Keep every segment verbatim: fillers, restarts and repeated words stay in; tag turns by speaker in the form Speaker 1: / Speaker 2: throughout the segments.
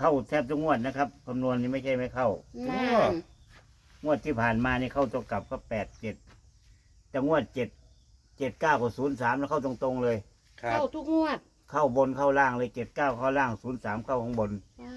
Speaker 1: เข้าแทบทุกงวดนะครับคำนวณนี้ไม่ใช่ไม่เข้า
Speaker 2: นั่น
Speaker 1: งวดที่ผ่านมานี่เข้าตัวกลับก็แปดเจ็ดแต่งวดเจ็ดเจ็ดเก้ากับศูนย์สามแล้วเข้าตรงๆเลย
Speaker 3: ครับ
Speaker 2: เข้าทุกงวด
Speaker 1: เข้าบนเข้าล่างเลยเจ็ดเก้าเข้าล่างศูนย์สามเข้าข้างบน
Speaker 2: ว้า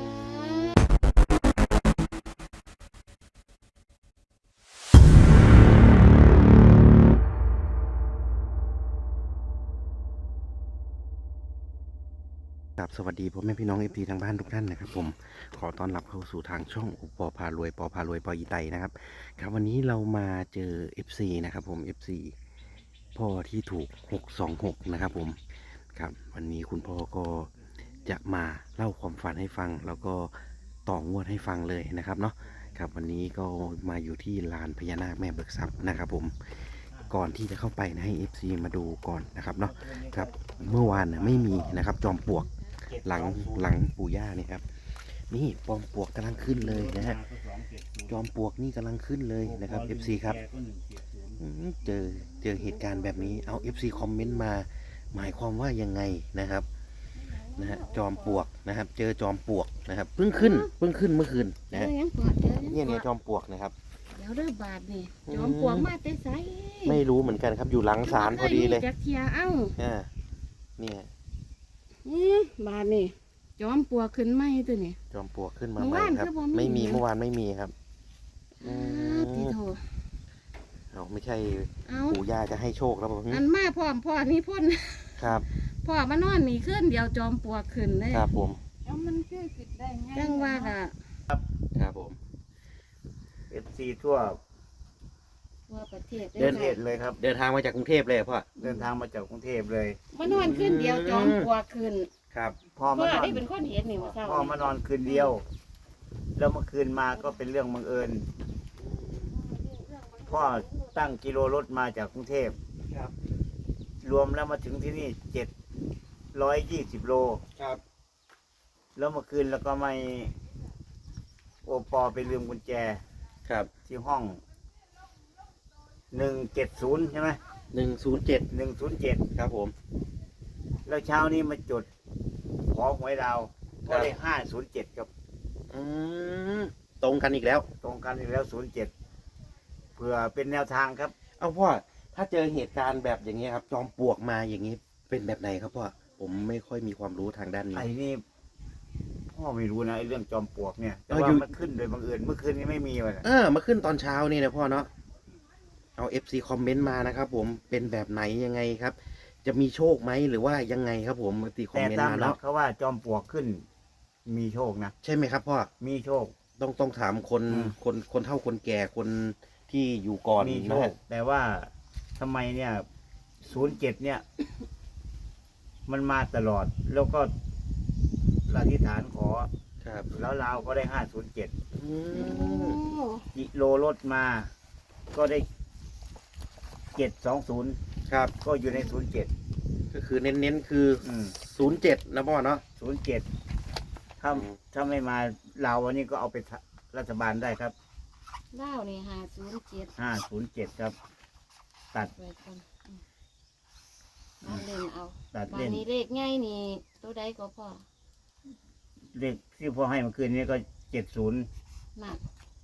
Speaker 3: ครับสวัสดีพ่อแม่พี่น้องเอฟทีทางบ้านทุกท่านนะครับผมขอต้อนรับเข้าสู่ทางช่องอุปอพารวยปอพารวยปออีไตนะครับครับวันนี้เรามาเจอ เอฟ ซี นะครับผม เอฟ ซี พ่อที่ถูกหกสองหกนะครับผมครับวันนี้คุณพ่อก็จะมาเล่าความฝันให้ฟัง แล้วก็ต่องวดให้ฟังเลยนะครับเนาะครับวันนี้ก็มาอยู่ที่ลานพญานาคแม่เบิกทรัพย์นะครับผมก่อนที่จะเข้าไปนะให้ เอฟ ซี มาดูก่อนนะครับเนาะครับเมื่อวานนะไม่มีนะครับจอมปลวกหลังหลังปู่ย่าเนี่ยครับนี่จอมปลวกกำลังขึ้นเลยนะฮะจอมปลวกนี่กำลังขึ้นเลยนะครับ เอฟ ซี ครับอืมเจอเจอเหตุการณ์แบบนี้เอา เอฟ ซี คอมเมนต์มาหมายความว่ายังไงนะครับนะฮะจอมปลวกนะครับเจอจอมปลวกนะครับเพิ่งขึ้นเพิ่งขึ้นเมื่อคืน
Speaker 2: เจ
Speaker 3: นะ
Speaker 2: อ
Speaker 3: ฮะ
Speaker 2: ยังกอดเจอยัง
Speaker 3: เนี่ยเนี่ย
Speaker 2: ก
Speaker 3: จ
Speaker 2: อด
Speaker 3: อมปลวกนะครับ
Speaker 2: เดี๋ยวเด้อบาทนี่
Speaker 3: อืม
Speaker 2: จอมปลวกมาแต่ไส
Speaker 3: ไม่รู้เหมือนกันครับอยู่หลังศาลพอดีเลย
Speaker 2: จักเทียเอ้า
Speaker 3: อ่าเนี่ย
Speaker 2: อืมบาทนี่จอมปลวกขึ้นไหมตัวนี่
Speaker 3: จอมปลวกขึ้นมา
Speaker 2: เมื่อ
Speaker 3: ใหม่
Speaker 2: วาน
Speaker 3: ครับ
Speaker 2: คือบ่มี
Speaker 3: ไม่มี
Speaker 2: นะ
Speaker 3: เมื่อวานไม่มีครับ อื
Speaker 2: อ่าม ที่โถ
Speaker 3: เอาไม่ใช่
Speaker 2: เอา
Speaker 3: ปู่ย่าจะให้โชคแล้วผม
Speaker 2: อันมาพร้อมพ่อนี่พ่น
Speaker 3: ครับ
Speaker 2: พ่อมานอนนี่ขึ้นเดียวจอมปลวกขึ้นเลย
Speaker 3: ครับผม
Speaker 4: แล้วมันคือคิดได้ไง
Speaker 2: จังว่าล่ะ
Speaker 3: ครับผม
Speaker 1: เอฟซีทั่ว
Speaker 2: ทั่วประเทศ
Speaker 1: เดิน
Speaker 2: ด้
Speaker 1: เทศเลยครับ
Speaker 3: เดินทางมาจากกรุงเทพเลยพ่อ
Speaker 1: เดินทางมาจากกรุงเทพเลย
Speaker 2: มานอนขึ้นเดียวจอมปลวกขึ้น
Speaker 3: ครับ
Speaker 1: พ่อ
Speaker 2: พ่
Speaker 1: มา
Speaker 2: อน
Speaker 1: อน
Speaker 2: ได้เป็นคนเห็นนี่ว่าเศร้า
Speaker 1: พ่อมานอนคืนเดียว แล้วเมื่อคืนมาก็เป็นเรื่องบังเอิญพ่อตั้งกิโลรถมาจากกรุงเทพ
Speaker 3: ครับ
Speaker 1: รวมแล้วมาถึงที่นี่เจ็ดร้อยยี่สิบโล
Speaker 3: ครับ
Speaker 1: แล้วเมื่อคืนแล้วก็ไม่โอปอไปลืมกุญแจ
Speaker 3: ครับ
Speaker 1: ที่ห้องหนึ่งเจ็ดศูนย์ใช่ไหม
Speaker 3: หนึ่งศูนย์เจ็ด
Speaker 1: หนึ่งศูนย์เจ็ด
Speaker 3: ครับผม
Speaker 1: แล้วเช้านี้มาจดขอหวยดาวก็ได้ห้าศูนย์เจ็ดครับ
Speaker 3: อืมตรงกันอีกแล้ว
Speaker 1: ตรงกันอีกแล้วศูนย์เจ็ดเพื่อเป็นแนวทางครับ
Speaker 3: เอาพ่อถ้าเจอเหตุการณ์แบบอย่างนี้ยครับ จอมปลวกมาอย่างนี้เป็นแบบไหนครับพ่อผมไม่ค่อยมีความรู้ทางด้านนี้
Speaker 1: ไอ้นี่พ่อไม่รู้นะไอ้เรื่องจอมปลวกเนี่ยแต่
Speaker 3: เอา
Speaker 1: ว่า
Speaker 3: อยู่
Speaker 1: มันขึ้นโดยบังเอิญเมื่อคืนนี้ไม่มีเลย
Speaker 3: เออมาขึ้นตอนเช้านี่นะพ่อเนาะเอา เอฟ ซี คอมเมนต์มานะครับผมเป็นแบบไหนยังไงครับ จะมีโชคไหมหรือว่ายังไงครับผมตีคอม
Speaker 1: แต่
Speaker 3: เมนต์
Speaker 1: ตาม
Speaker 3: มา
Speaker 1: หลั
Speaker 3: เนาะ
Speaker 1: กเขาว่าจอมปลวกขึ้น มีโชคนะ
Speaker 3: ใช่ไหมครับพ่อ
Speaker 1: มีโชค
Speaker 3: ต้องต้องถามคน
Speaker 1: อืม
Speaker 3: คนคนเฒ่าคนแก่คนที่อยู่ก่อน
Speaker 1: มีโช
Speaker 3: นะ
Speaker 1: ค
Speaker 3: ฮะ
Speaker 1: แต่ว่าทำไมเนี่ยศูนย์เจ็ดเนี่ย มันมาตลอด แล้วก็อธิษฐานขอ
Speaker 3: ครับ
Speaker 1: แล้วเราก็ได้ห้าศูนย์เจ็ด
Speaker 3: อื
Speaker 2: โอ้
Speaker 3: ม
Speaker 1: กิโลรถมา ก็ได้เจ็ดสองศูนย์
Speaker 3: ครับ
Speaker 1: ก็อยู่ในศูนย์เจ็ด
Speaker 3: ก็คือเน้นๆคือศูนย์เจ็ดนะพ่อเนาะ
Speaker 1: ศูนย์เจ็ดถ้า
Speaker 3: อืม
Speaker 1: ถ้าไม่มาเราวันนี้ก็เอาไปรัฐบาลได้ครับ
Speaker 2: เล่านี่ห้าศูนย์เจ็ด
Speaker 1: ห้าศูนย์เจ็ดครับ ตัด
Speaker 2: ไว้ก่อนอืมเอาเล่นเอา
Speaker 1: ตัด
Speaker 2: บา
Speaker 1: เล่
Speaker 2: น
Speaker 1: น
Speaker 2: นี้เลขง่ายนี่ตัวใดก็พอ
Speaker 1: เลขที่พ่อให้เมื่อคืนนี้ก็เจ็ดศูนย์
Speaker 2: หนัก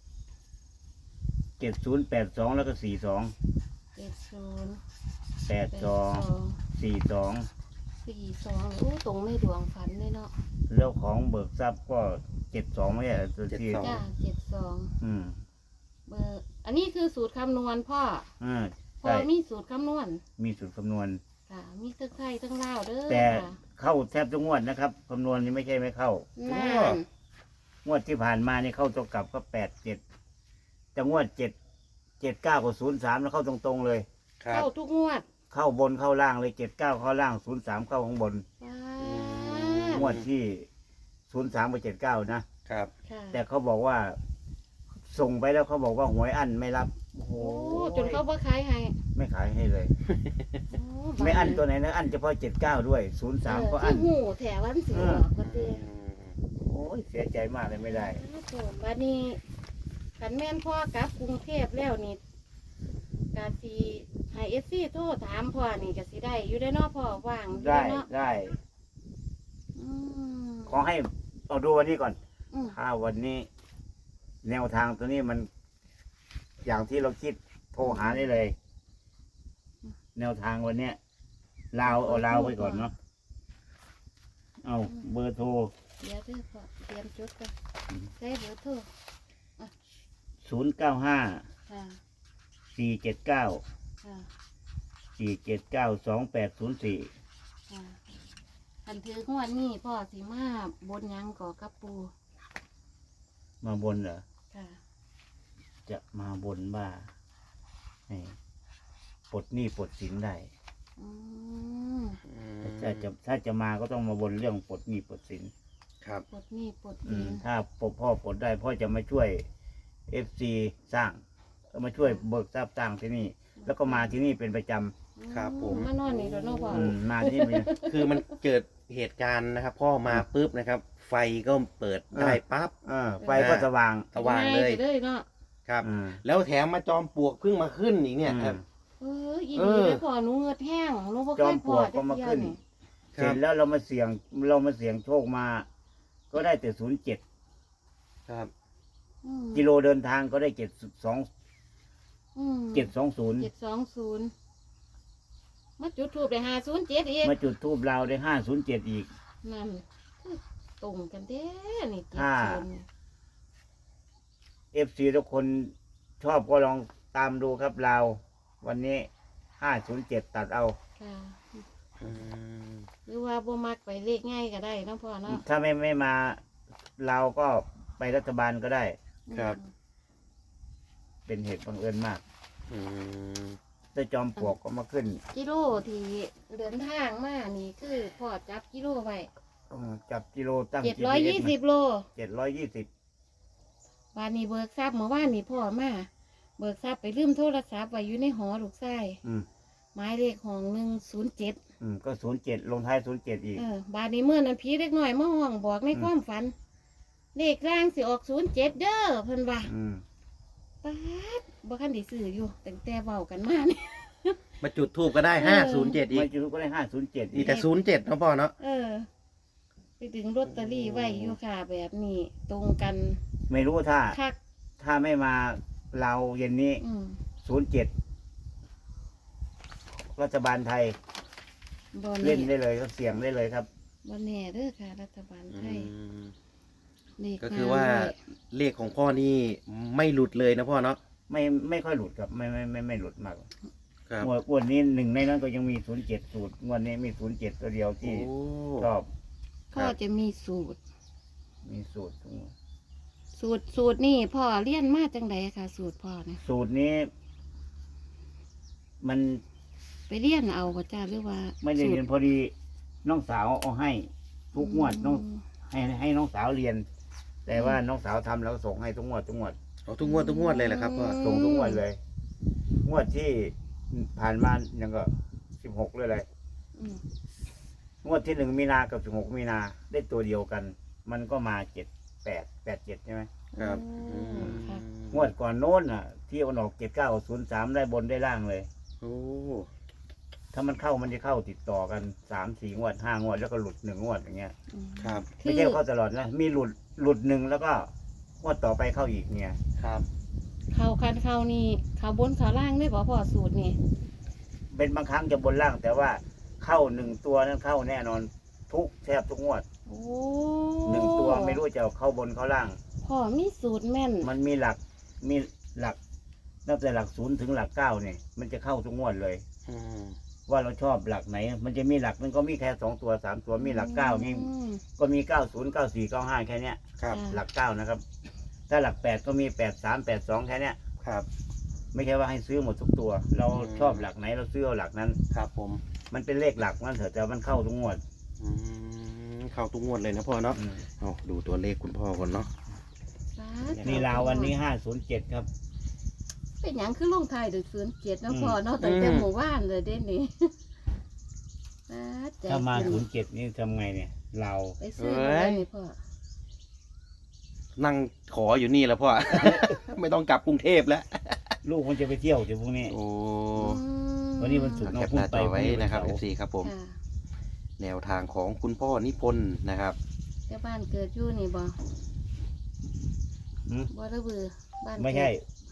Speaker 1: เจ็ดศูนย์แปดสองแล้วก็สี่สอง
Speaker 2: เจ็ดศูนย์
Speaker 1: แปดสองสี่สอง
Speaker 2: สี่สองโอ้ตรงไม่ดวงฝันเลยเนาะ
Speaker 1: แล้วของเบิกทรัพย์ก็เจ็ดสองไม่ใช่เหรอตัวที่
Speaker 2: จ้าเจ็ดสอง
Speaker 1: อืม
Speaker 2: เบอร์อันนี้คือสูตรคำนวณพ่อ
Speaker 1: อ่า
Speaker 2: พ่อ
Speaker 1: ใช่
Speaker 2: มีสูตรคำนวณ
Speaker 1: มีสูตรคำนวณ
Speaker 2: ค่ะมีทั้งไทยทั้งลาวเด้อ
Speaker 1: แต่
Speaker 2: ค่ะ
Speaker 1: เข้าแทบทุกงวดนะครับคำนวณนี้ไม่ใช่ไม่เข้า
Speaker 2: นั่น
Speaker 1: งวดที่ผ่านมานี่เข้าตัวกลับก็แปดเจ็ดแต่งวดเจ็ดเจ็ดเก้ากับศูนย์สามแล้วเข้าตรงๆเลย
Speaker 3: ครับ
Speaker 2: เข้าทุกงวด
Speaker 1: เข้าบนเข้าล่างเลยเจ็ดเก้าเข้าล่างศูนย์สามเข้าข้างบน
Speaker 2: ว้า
Speaker 3: อื
Speaker 1: งวดที่ศูนย์สามกับเจ็ดเก้านะ
Speaker 3: ครับ
Speaker 2: ค่ะ
Speaker 1: แต่เขาบอกว่า ส่งไปแล้วเขาบอกว่าหวยอั้นไม่รับ โอ้โห
Speaker 2: โอ้จนเขาบ่ขายให้
Speaker 1: ไม่ขายให้เลย
Speaker 2: โอ้บาด
Speaker 1: ไม่อั้นตัวไหนนะอั้นเฉพาะเจ็ดเก้าด้วยศูนย์สามก็
Speaker 2: เอ
Speaker 1: อั้
Speaker 2: อน คือหูแถววันสิออกก็เต้
Speaker 1: โอ้ยเสียใจมากเลยไม่ได้
Speaker 2: บัดนี้ขันแม่นพ่อกลับกรุงเทพแล้วนี่กาสีให้เอฟซีโทรถามพ่อนี่ก็สิได้ อยู่ได้อเนาะพ่อว่างอยู่
Speaker 1: ได้
Speaker 2: เนาะ
Speaker 1: ได้
Speaker 2: อืม
Speaker 1: ขอให้เอาดูวันนี้ก่อน
Speaker 2: อืม
Speaker 1: ถ้าวันนี้ แนวทางตัวนี้มัน อย่างที่เราคิดโทรหาได้เลย แนวทางวันเนี้ยลาวเอาลาวไปก่อนเนาะเอาเบอร์โทร
Speaker 2: เดี๋ยวเด้อพ่อเตรียมจดกันใช้เบอร์โทร
Speaker 1: ศูนย์เก้าห้า
Speaker 2: ค่ะ
Speaker 1: สี่เจ็ดเก้า
Speaker 2: ค่ะ
Speaker 1: สี่เจ็ดเก้าสองแปดศูนย์สี่
Speaker 2: ค่ะคันถืองวดนี้พ่อสิมาบนหยังก่อกับปู
Speaker 1: มาบนเหรอ
Speaker 2: ค่ะ
Speaker 1: จะมาบนว่าให้ปลดหนี้ปลดสินได้
Speaker 2: อืม
Speaker 1: ถ้าจะถ้าจะมาก็ต้องมาบนเรื่องปลดหนี้ปลดสิน
Speaker 3: ครับ
Speaker 2: ปลดหนี้ปลด
Speaker 1: อื
Speaker 2: สิ
Speaker 1: ม
Speaker 2: น
Speaker 1: ถ้าพ่อพ่อปลดได้พ่อจะมาช่วยเอฟซีสร้างก็มาช่วยเบิกทรัพย์สร้างที่นี่ แล้วก็มาที่นี่เป็นประจ
Speaker 3: ครับผม
Speaker 2: มานอนนี่แล้วเนาะพ่อ
Speaker 1: ำอืมมาที่นี่เป็น
Speaker 3: คือมันเกิดเหตุการณ์นะครับ พ่อมาปุ๊บนะครับ ไฟก็เปิดได้ปั๊บ
Speaker 1: เออไฟก็สว่าง
Speaker 3: สว่างเลย
Speaker 2: ง่ไปเลยเนาะ
Speaker 3: ครับ
Speaker 1: อืม
Speaker 3: แล้วแถมมาจอมปลวกเพิ่งมาขึ้นอีกเนี่ยครับ
Speaker 2: เอออี
Speaker 3: เอ
Speaker 2: ดี
Speaker 3: อ
Speaker 2: เลยพ่อหนูเงือดแห้งหนูบ่
Speaker 1: จ
Speaker 2: เค
Speaker 1: อม
Speaker 2: ย
Speaker 1: ป
Speaker 2: พ
Speaker 1: ล
Speaker 2: อ
Speaker 1: วก
Speaker 2: จั
Speaker 1: ก็
Speaker 2: ก
Speaker 1: มา
Speaker 2: เที่ย
Speaker 1: ขึ้น
Speaker 2: นี่
Speaker 3: ค
Speaker 1: เสร็
Speaker 3: รับ
Speaker 1: จแล้วเรามาเสี่ยงเรามาเสี่ยงโชคมา ก็ได้แต่ศูนย์เจ็ด
Speaker 3: ครับ
Speaker 2: อืม
Speaker 1: กิโลเดินทางก็ได้เจ็ดสอง
Speaker 2: อืม
Speaker 1: เจ็ดสองศูนย์
Speaker 2: เจ็ดสองศูนย์มาจุดทูบได้ห้าศูนย์เจ็ดอีก
Speaker 1: มาจุดทูบเราได้ห้าศูนย์เจ็ดอีก
Speaker 2: นั่นคือตรงกันเด้นี่เจ็ด
Speaker 1: ถ้า
Speaker 2: ศูนย์
Speaker 1: เอฟซีทุกคนชอบก็ลองตามดูครับเรา วันนี้ห้าศูนย์เจ็ดตัดเอา
Speaker 2: ค่ะ
Speaker 3: อืม
Speaker 2: หรือว่าบ่มักไปเลขง่ายก็ได้เนาะพ่อเนาะ
Speaker 1: ถ้าไม่ไม่มาเราก็ไปรัฐบาลก็ได้
Speaker 3: ครับ
Speaker 1: เป็นเหตุบังเอิญมาก
Speaker 3: อืม
Speaker 1: ถ้าจอมปลวกก็มาขึ้น
Speaker 2: กิโลที่เดินทางมานี่คือพ่อจับกิโลไว้
Speaker 1: อืมจับกิโลตั้ง
Speaker 2: เจ็ดร้อยยี่สิบโล
Speaker 1: เจ็ดร้อยยี่สิบ
Speaker 2: วันนี้เบิกทรัพย์เมื่อวานนี้พ่อมาเบิกทรัพย์ไปลืมโทรศัพท์ไว้อยู่ในหอลูกชาย
Speaker 1: อืม
Speaker 2: หมายเลขห้องหนึ่งศูนย์เจ็ด
Speaker 1: อืมก็ศูนย์เจ็ดลงท้ายศูนย์เจ็ดอีก
Speaker 2: เออบานนี้เมื่อนั้นผีเล็กน้อยมาห้องบอกในความฝัน เลขร่างสิออกศูนย์เจ็ดเด้อเพิ่นว่า
Speaker 1: อืม
Speaker 2: ป๊าดบ่คันได้ซื้ออยู่ตั้งแต่เว้ากันมานี่
Speaker 3: มาจุดทูบก็ได้ห้าศูนย์เจ็ดอี
Speaker 1: ไม่
Speaker 3: ก
Speaker 1: จุดก็ได้ห้าศูนย์เจ็ด
Speaker 3: อี
Speaker 1: อี
Speaker 3: ก
Speaker 1: ก
Speaker 3: แต่ศูนย์เจ็ดนะพ่อเนาะ
Speaker 2: เออ ไปดึงลอตเตอรี่ไว้อยู่ค่ะ แบบนี้ ตรงกัน
Speaker 1: ไม่รู้ถ้า
Speaker 2: คัก
Speaker 1: ถ้าไม่มาเราเย็นนี้
Speaker 2: อืม
Speaker 1: ศูนย์เจ็ดรัฐบาลไทย
Speaker 2: บ่
Speaker 1: เล่
Speaker 2: แน่
Speaker 1: นได้เลยก็เสี่ยงได้เลยครับ
Speaker 2: บ่แน่เด้อค่ะ รัฐบาลไทย
Speaker 3: อืม
Speaker 2: เลข
Speaker 3: ก็คือว่า
Speaker 2: ห้ด้วย
Speaker 3: เลขของพ่อนี่ไม่หลุดเลยนะพ่อเนาะ
Speaker 1: ไม่ไม่ค่อยหลุดครับ ไม่ไม่ไม่ไม่หลุดมาก
Speaker 3: ครับ
Speaker 1: งวดงวดนี้หนึ่งในนั้นก็ยังมีศูนย์เจ็ดสูตรงวดนี้มีศูนย์เจ็ดตัวเดียว
Speaker 3: โอ้
Speaker 1: ที่ชอบ
Speaker 2: พ่อจะมีสูตร
Speaker 1: มีสูตรตรงนี้
Speaker 2: สูตรสูตรนี่พ่อเรียนมาจังไดค่ะ สูตรพ่อเนี่ย
Speaker 1: สูตรนี้ มัน
Speaker 2: ไปเรียนเอาก็จ้าหรือว่า
Speaker 1: ไม่ได้เรียนพอดีน้องสาวเอาให้ ทุกงวดน้อง
Speaker 2: ม
Speaker 1: ให้ให้น้องสาวเรียน แต่ว่าน้องสาวทำแล้วก็ส่งให้ทุกงวดทุกงวด
Speaker 3: เอาทุกงวดทุกงวดเลยแหละครับพ่อ
Speaker 1: ส่งทุกงวดเลย งวดที่ผ่านมายังก็สิบหกเลยเลย
Speaker 2: อืม
Speaker 1: งวดที่หนึ่งมีนากับสิบหกมีนาได้ตัวเดียวกัน มันก็มาเจ็ดแปดแปดเจ็ดใช่ไหม
Speaker 3: ครับ
Speaker 2: โอ้ค่ะ
Speaker 1: งวดก่อนโน้นอ่ะ ที่เอาออกเจ็ดเก้าศูนย์สามได้บนได้ล่างเลย
Speaker 3: โอ้
Speaker 1: ถ้ามันเข้ามันจะเข้าติดต่อกันสามสี่งวดห้างวดแล้วก็หลุดหนึ่งงวดอย่างเงี้ย
Speaker 2: อืม
Speaker 3: ครับ
Speaker 1: ไม่ใช่เข้าตลอดนะมีหลุดหลุดหนึ่งแล้วก็งวดต่อไปเข้าอีกเนี่ย
Speaker 3: ครับ
Speaker 2: เขาคันเขานี่เขาบนเขาล่างได้บ่พ่อสูตรนี่
Speaker 1: เป็นบางครั้งจะบนล่าง แต่ว่าเข้าหนึ่งตัวนั้นเข้าแน่นอน ทุกแทบทุกงวด
Speaker 2: โอ้
Speaker 1: หนึ่งตัวไม่รู้จะเข้าบนเข้าล่าง
Speaker 2: พ่อมีสูตรแม่น
Speaker 1: มันมีหลักมีหลักตั้งแต่หลักศูนย์ถึงหลักเก้าเนี่ยมันจะเข้าทุกงวดเลย
Speaker 3: อืม
Speaker 1: ว่าเราชอบหลักไหน มันจะมีหลักมันก็มีแค่สองตัวสามตัวมีหลักเก้านี่
Speaker 2: อืม
Speaker 1: ก็มีเก้าศูนย์เก้าสี่เก้าห้าแค่เนี้ย
Speaker 3: ครับ
Speaker 2: อ่า
Speaker 1: หลักเก้านะครับ ถ้าหลักแปดก็มีแปดสามแปดสองแค่เนี้ย
Speaker 3: ครับ
Speaker 1: ไม่ใช่ว่าให้ซื้อหมดทุกตัว เรา
Speaker 3: อืม
Speaker 1: ชอบหลักไหนเราซื้อเอาหลักนั้น
Speaker 3: ครับผม
Speaker 1: มันเป็นเลขหลักนั่นเถอะแต่มันเข้าทุกงวด
Speaker 3: อืมเข้าทุกงวดเลยนะพ่อเนาะ
Speaker 1: อืม
Speaker 3: เอาดูตัวเลขคุณพ่อก่อนเนาะ
Speaker 2: สาธุ
Speaker 1: นี่ลาววันนี้ห้าศูนย์เจ็ดครับ
Speaker 2: เป็นหยังคือลงไทายด้วยศูนย์เจ็ดเนาะ
Speaker 1: อืม
Speaker 2: พ่อเนาะตั้งแต่หมู่บ้านเลยเด้นี่สาธุ
Speaker 1: ถ้ามาศูนย์เจ็ดนี่ทำไงเนี่ยเรา
Speaker 2: ไปซื้อมาได้นี่พ่อ
Speaker 3: นั่งขออยู่นี่แล้วพ่อ ไม่ต้องกลับกรุงเทพแล้ว
Speaker 1: ลูกมันจะไปเที่ยวเดี๋ยวพรุ่งนี้
Speaker 3: โอ้
Speaker 2: อืม
Speaker 1: วันนี้วันศุกร์
Speaker 3: แคปหน้าจอไว้นะครับ
Speaker 1: พรุ่
Speaker 3: เอง
Speaker 1: นี้
Speaker 3: ฟซีครับผม
Speaker 2: ค่ะ
Speaker 3: แนวทางของคุณพ่อนิพนธ์นะครับ
Speaker 2: แต่บ้านเกิดอยู่นี่บ่
Speaker 1: หืม
Speaker 2: บ่ระเบือบ้านเกิด
Speaker 1: ไม่ใช่